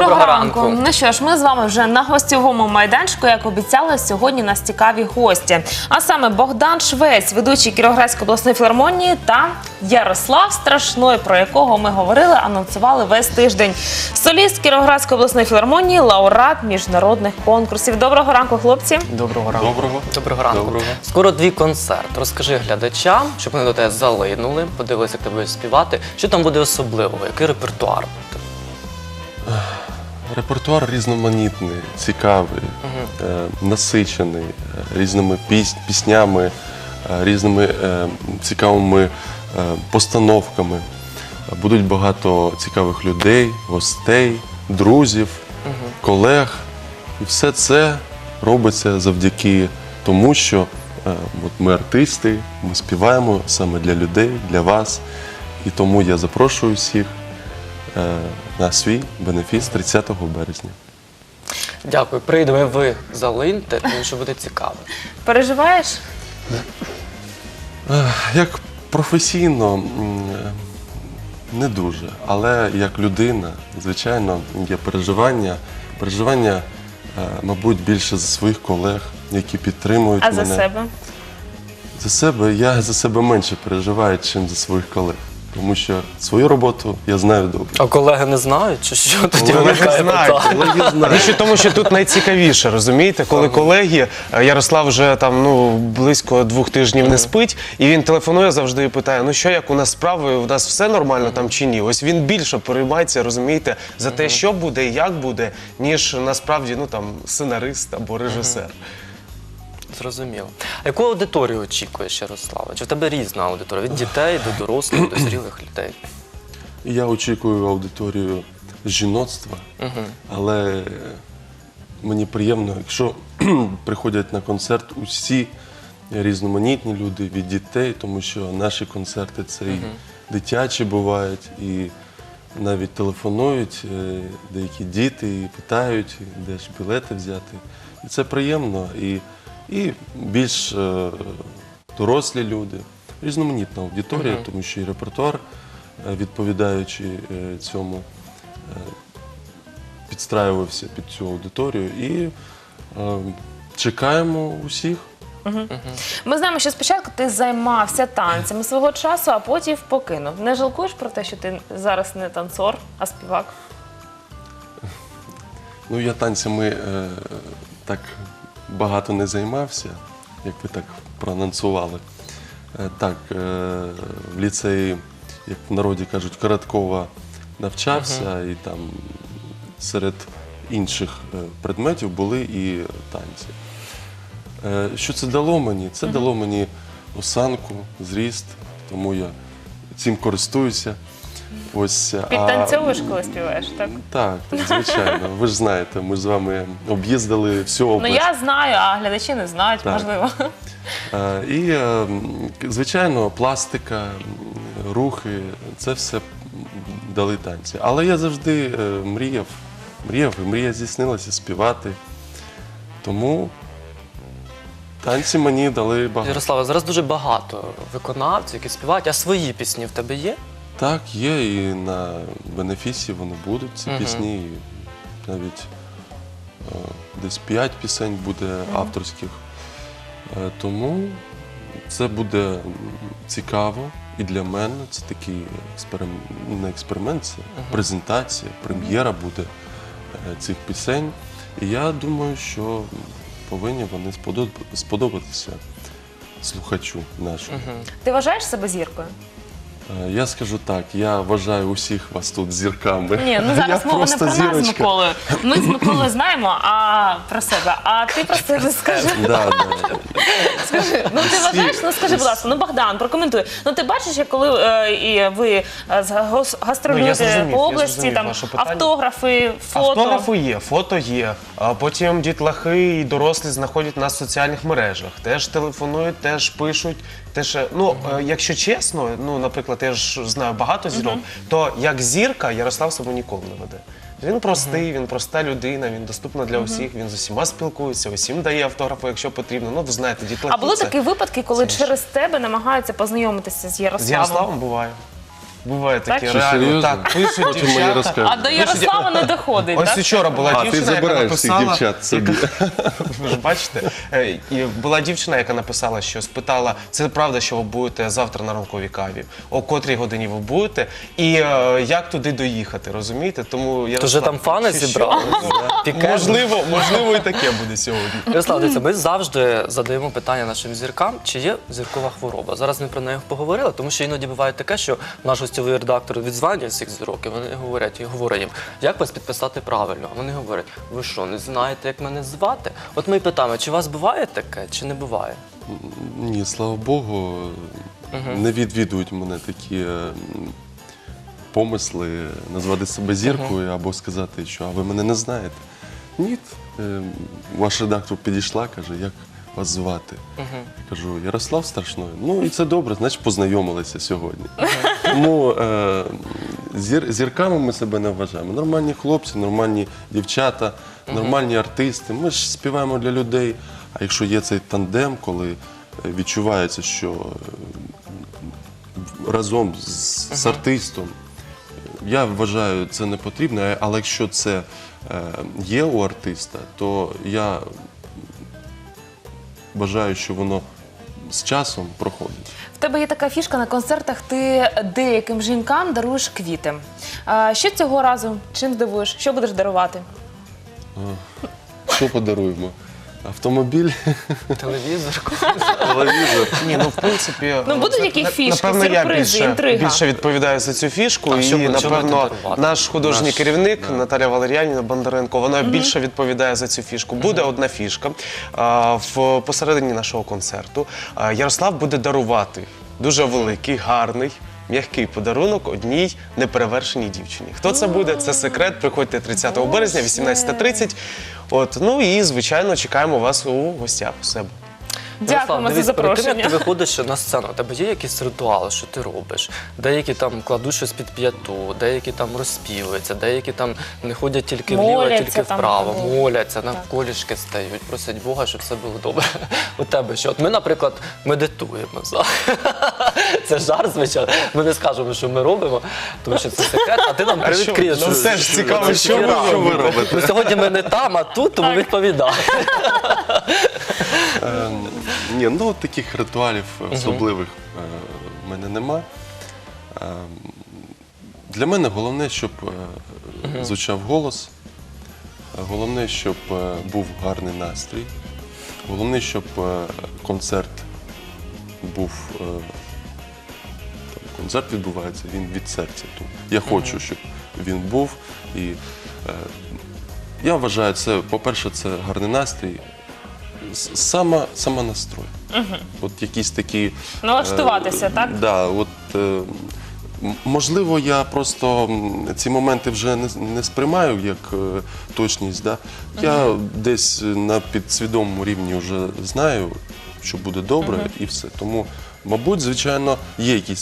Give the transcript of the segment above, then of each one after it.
Доброго ранку. Ну що ж, ми з вами вже на гостьовому майданчику, як обіцяли, сьогодні у нас цікаві гості. А саме Богдан Швець, ведучий Кіровоградської обласної філармонії, та Ярослав Страшной, про якого ми говорили, анонсували весь тиждень. Соліст Кіровоградської обласної філармонії, лауреат міжнародних конкурсів. Доброго ранку, хлопці. Доброго ранку. Доброго ранку. Скоро твій концерт. Розкажи глядачам, щоб вони до тебе залинули, подивилися, як ти будеш співати. Що там буде особливого? Який репертуар? Репертуар різноманітний, цікавий, насичений різними піснями, різними цікавими постановками. Будуть багато цікавих людей, гостей, друзів, колег. І все це робиться завдяки тому, що ми артисти, ми співаємо саме для людей, для вас. І тому я запрошую всіх на свій бенефіс 30 березня. Дякую. Прийдемо, ви залиньте, тому що буде цікаво. Переживаєш? Як професійно не дуже, але як людина, звичайно, є переживання. Переживання, мабуть, більше за своїх колег, які підтримують мене. А за себе? За себе я за себе менше переживаю, ніж за своїх колег. Тому що свою роботу я знаю добре. А колеги не знають, чи що тоді Колеги виникає знають, питання? Колеги знають. Річ у тому, що тут найцікавіше, розумієте, коли колеги, Ярослав вже там близько 2 тижнів не спить, і він телефонує завжди і питає, ну що, як у нас справи, у нас все нормально там чи ні? Ось він більше переймається, розумієте, за те, що буде і як буде, ніж насправді сценарист або режисер. Зрозуміло. А яку аудиторію очікуєш, Ярослава? Чи в тебе різна аудиторія? Від дітей до дорослих, до зрілих людей? Я очікую аудиторію жіноцтва, але мені приємно, якщо приходять на концерт усі різноманітні люди від дітей, тому що наші концерти це і дитячі бувають, і навіть телефонують деякі діти і питають, де ж білети взяти. І це приємно. І більш дорослі люди, різноманітна аудиторія, тому що і репертуар, відповідаючи цьому, підстраювався під цю аудиторію. І чекаємо усіх. Ми знаємо, що спочатку ти займався танцями свого часу, а потім покинув. Не жалкуєш про те, що ти зараз не танцор, а співак? Ну, я танцями так багато не займався, як ви так проанонсували. Так, в ліцеї, як в народі кажуть, Короткова навчався, і там серед інших предметів були і танці. Що це дало мені? Це дало мені осанку, зріст, тому я цим користуюся. Підтанцьовуєш, коли співаєш, так? Так, звичайно. Ви ж знаєте, ми з вами об'їздили всю область. Ну я знаю, а глядачі не знають, Так. можливо. І, звичайно, пластика, рухи, це все дали танці. Але я завжди мріяв, і мрія здійснилася співати. Тому танці мені дали багато. Ярослава, зараз дуже багато виконавців, які співають, а свої пісні в тебе є? Так, є, і на бенефісі вони будуть, ці пісні. І навіть десь 5 пісень буде авторських. Тому це буде цікаво і для мене. Це такий не експеримент, це презентація, прем'єра буде цих пісень. І я думаю, що повинні вони сподобатися слухачу нашому. Ти вважаєш себе зіркою? Я скажу так, я вважаю усіх вас тут зірками. Ні, ну зараз мова не про нас з Миколою. Ми з Миколою знаємо про себе, а ти про себе скажи. Скажи, ну ти вважаєш, ну скажи, будь ласка, ну Богдан, прокоментуй. Ну ти бачиш, як коли і ви гастролюєте по області, там автографи, фото. Автографи є, а потім дітлахи і дорослі знаходять нас в соціальних мережах. Теж телефонують, теж пишуть. Якщо чесно, наприклад, я ж знаю багато зірок, то як зірка Ярослав себе ніколи не веде. Він простий, він проста людина, він доступна для усіх, він з усіма спілкується, усім дає автографи, якщо потрібно. Ну, ви знаєте, дітлахи. А були такі випадки, коли через тебе намагаються познайомитися з Ярославом? З Ярославом буває. Буває таке, Так? реально. Серйозно? Так, пишуть Потім мені дівчата. розкажуть. А до Ярослава не доходить, Ось так? вчора була А, ти дівчина, яка забираєш всіх написала... дівчат собі. Ви ж бачите, і була дівчина, яка написала, що спитала, це правда, що ви будете завтра на ранковій каві? О котрій годині ви будете? І як туди доїхати, розумієте? Тому я То вже там фани зібрали? Пікет? Можливо, і таке буде сьогодні. Ярослав, дивіться, ми завжди задаємо питання нашим зіркам, чи є зіркова хвороба. Зараз ми про неї поговорили, тому що іноді буває таке, що наш гостьовий редактор відзванює всіх зірок, і вони говорять, і говорить їм, як вас підписати правильно? А вони говорять, ви що, не знаєте, як мене звати? От ми і питаємо, чи у вас буває таке, чи не буває? Ні, слава Богу, не відвідують мене такі помисли назвати себе зіркою або сказати, що а ви мене не знаєте. Ні, ваш редактор підійшла, каже, як вас звати. Я кажу, Ярослав Страшной. Ну і це добре, значить познайомилися сьогодні. Тому зірками ми себе не вважаємо. Нормальні хлопці, нормальні дівчата, нормальні артисти. Ми ж співаємо для людей. А якщо є цей тандем, коли відчувається, що разом з артистом, я вважаю, це не потрібно, але якщо це є у артиста, то я вважаю, що воно з часом проходить. В тебе є така фішка на концертах, ти деяким жінкам даруєш квіти. Що цього разу? Чим здивуєш? Що будеш дарувати? Що подаруємо? Автомобіль, Телевізор? телевізор. Ні, ну в принципі, Ну, будуть які фішки, напевно, я сюрпризи, інтрига? більше відповідаю за цю фішку. А що І, ви- що напевно, будете дарувати? наш художній керівник Наталя Валеріанівна Бондаренко, вона більше відповідає за цю фішку. Буде одна фішка посередині нашого концерту. Ярослав буде дарувати дуже великий, гарний, м'який подарунок одній неперевершеній дівчині. Хто це буде? Це секрет. Приходьте 30 березня, 18:30. От, ну і, звичайно, чекаємо вас у гостях у себе. Дякуємо за дивись, перед тим, як запрошення. ти виходиш на сцену, у тебе є якісь ритуали, що ти робиш? Деякі там кладуть щось під п'яту, деякі там розспівуються, деякі там не ходять тільки вліво, а Моляться тільки там, вправо, або- моляться, на колішки стають, просять Бога, щоб все було добре. У тебе що? От ми, наприклад, медитуємо. Це жарт, звичайно. Ми не скажемо, що ми робимо, тому що це секрет, а ти нам привідкриєш. Ну, все ж цікаво, що ви робите. Ну, сьогодні ми не там, а тут, тому відповідай. Ні, ну таких ритуалів особливих в мене нема. Для мене головне, щоб звучав голос, головне, щоб був гарний настрій, головне, щоб концерт був. Концерт відбувається, він від серця тут. Я хочу, щоб він був. І я вважаю, це, по-перше, це гарний настрій. Сама настрой. От якісь такі... Налаштуватися, так? Да, от, можливо, я просто ці моменти вже не сприймаю як точність. Да? Я десь на підсвідомому рівні вже знаю, що буде добре і все. Тому, мабуть, звичайно, є якийсь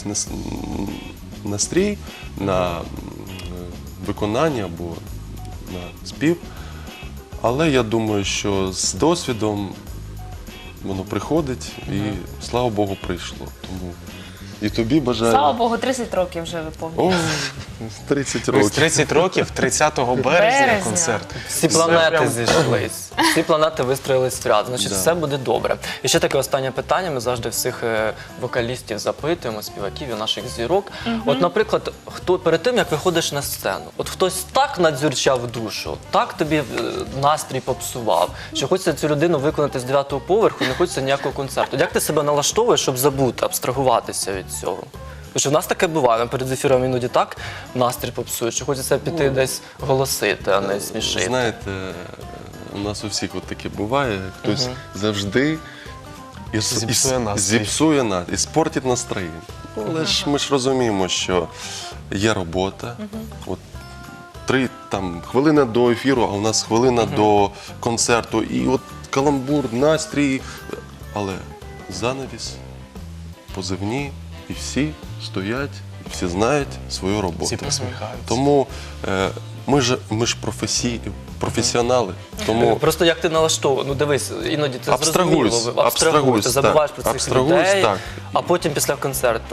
настрій на виконання або на спів. Але я думаю, що з досвідом воно приходить і, слава Богу, прийшло. Тому і тобі бажаю. Слава Богу, 30 років вже виповнює. О, 30 Ось років. 30 років, 30 березня Березня. концерт. Всі Це планети прям- зійшлись, всі планети вистроїлись в ряд, значить Да. все буде добре. І ще таке останнє питання, ми завжди всіх вокалістів запитуємо, співаків і наших зірок. От, наприклад, хто перед тим, як виходиш на сцену, от хтось так надзюрчав душу, так тобі настрій попсував, що хочеться цю людину виконати з 9-го поверху, не хочеться ніякого концерту. Як ти себе налаштовуєш, щоб забути, абстрагуватися від цього? Тому що в нас таке буває, ми перед ефіром іноді так настрій попсує, що хочеться піти десь голосити, а не смішити. Знаєте, у нас у всіх от таке буває. Хтось завжди Зіпсує настрій. зіпсує настрій, і спортить настроєння. Ну, але ж ми ж розуміємо, що є робота. От 3 хвилини до ефіру, а у нас хвилина до концерту. І от каламбур, настрій. Але занавіс, позивні, і всі стоять, і всі знають свою роботу. Всі посміхаються. Тому ми ж професіонали. Тому Просто як ти налаштовуєш, ну дивись, іноді ти Абстрагуюсь, зрозуміло, ти забуваєш про цих абстрагуюсь, людей, так. а потім після концерту.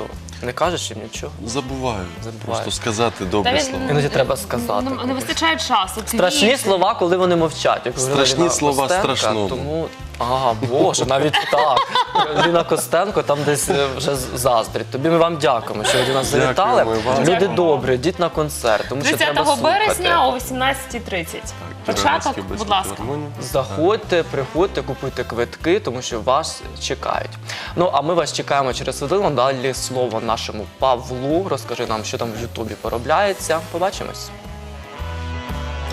Не кажеш їм нічого? Забуваю. Просто сказати добрі Та він- слова. Іноді треба сказати. Не вистачає часу. Страшні квіти. слова, коли вони мовчать. Як говорила Страшні Ліна слова Костенко, страшному. Тому, Боже, навіть так. Ліна Костенко там десь вже заздрить. Тобі ми вам дякуємо, що ви до нас завітали. Дякуємо вам. Люди Дякуємо. добрі, йдіть на концерт, тому що треба 30 слухати. березня о 18:30. Початок, Кіровоградській будь обласній ласка. філармонії. Заходьте, приходьте, купуйте квитки, тому що вас чекають. Ну, а ми вас чекаємо через хвилину. Далі слово нашому Павлу. Розкажи нам, що там в Ютубі поробляється. Побачимось.